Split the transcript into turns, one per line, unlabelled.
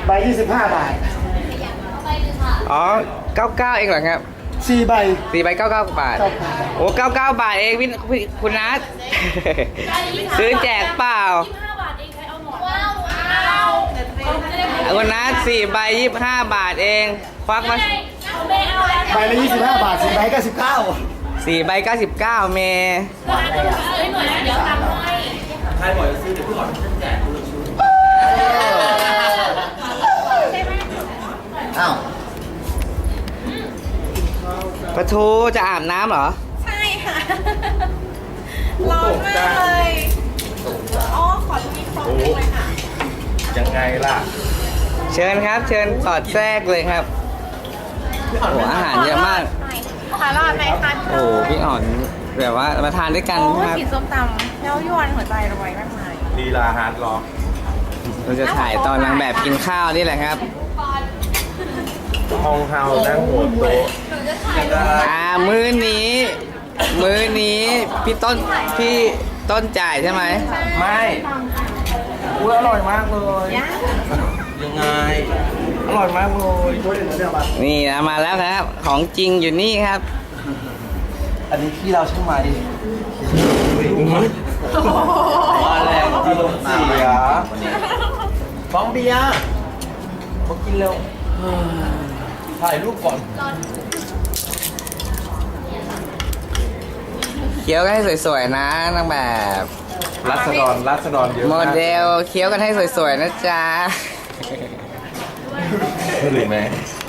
ใบ25 บาท
อ๋อ99เองเหรอครับ
4 ใบ
4 ใบ99 บาท โอ้99 บาทเองพี่คุณนัท ซื้อแจกเปล่าคุณนัท4 ใบ25 บาทเองควักมา
ใบละ25 บาท4 ใบก็
4 ใบ99เมย์
ใครบอกจะซื้อเดี๋ยวพี่ขอแจกคุณชุด
อ้าว
ปะทูจะอาบน้ำเหรอ
ใช่ค่ะ ร้อนมากเลยอ๋อขอมีฟองเลยค่ะ
ยังไงล่ะ
เชิญครับ เชิญสอดแทรกเลยครับโอ้อาหารเยอะมาก
ขอรอดไหมคะ
โอ้พี่อ่อนแบบว่ามาทานด้วยกัน
โอ้
ครับ
กินส้มตำแล้วยวนหัวใจรวยมากมาย
ลีลาฮาร์ดล็อก
เราจะถ่ายตอนนางแบบกินข้าวนี่แหละครับ
ห้องเฮานั่งหัวโต๊ะจะได้
มื้อนี้พี่ต้นจ่ายใช่ไหม
ไม่อุ้ยอร่อยมากเลย ยังไง อร่อยมากเลย
นี่นะมาแล้วครับ ของจริงอยู่นี่ครับ
อันนี้พี่เราใช่ไหม
มาแรงที่ลมเสียฟองเบียร์มากินเร็วถ่ายรูปก่อน
เคี้ยวกันให้สวยๆนะนางแบบ
รัศดรเยอะ
โมเดลเคี้ยวกันให้สวยๆนะจ๊ะ
หรือไหม